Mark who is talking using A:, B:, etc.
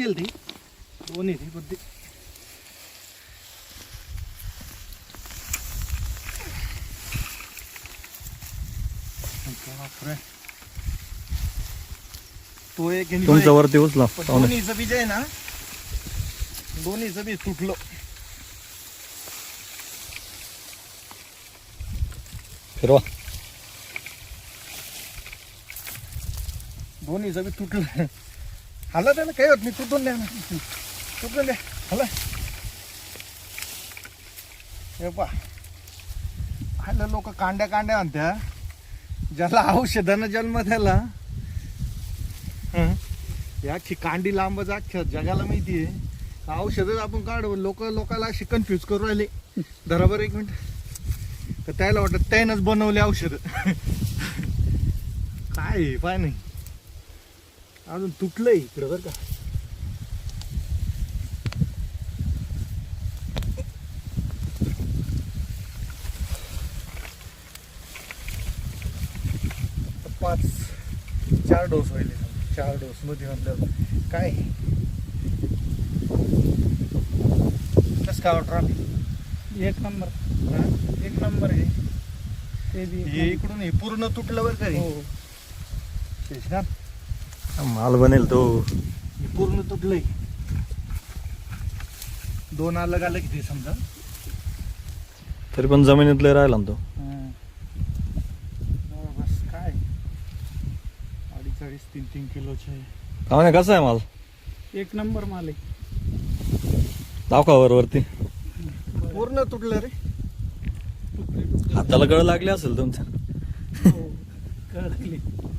A: केली ती दोन्ही ती पण ती बापरे. तो एक आणि तो
B: तुमच्या
A: एक.
B: वरती उचला
A: पण
B: पाहुणे.
A: दोन्हीचं बीज आहे ना दोन्हीचं बीज तुटलं.
B: फिरवा.
A: दोन्हीचं बी तुटलं. हाला त्याला काही होत नाही. तुटून द्या ना तुटून द्या हाला. हे पा हाला लोक कांड्या कांड्या म्हणत्या ज्याला औषधानं जन्म त्याला याची कांडी लांबच अख्ख्या जगाला माहिती आहे. औषधच आपण काढू लोकाला अशी कन्फ्यूज करू राहिले. बरोबर एक मिनिट तर त्याला वाटत त्यानंच बनवले औषध. काय पाय नाही अजून तुटलंय इकडं बरं का. पाच 4 डोस होईल. 4 डोस मध्ये म्हणलं काय कसं काय वाटतं आम्ही.
C: एक नंबर
A: एक नंबर आहे.
C: ते बी
A: हे इकडून हे पूर्ण तुटलं बरं का हे.
C: हो
A: शेषनाथ
B: माल बनेल तो.
A: हे पूर्ण तुटलंय. 2 अलग अलग ते समजा.
B: तरी पण जमिनीतले राहिला ना तो.
A: बस काय 2.5-3 किलोचे.
B: पाहुणे कसा आहे माल
C: एक नंबर माल आहे.
B: दाखवावर वरती.
A: पूर्ण तुटलं रे.
C: तुकडे तुकडे
B: हाताला गळ लागली असेल तुमच्या.
C: हो, कळली.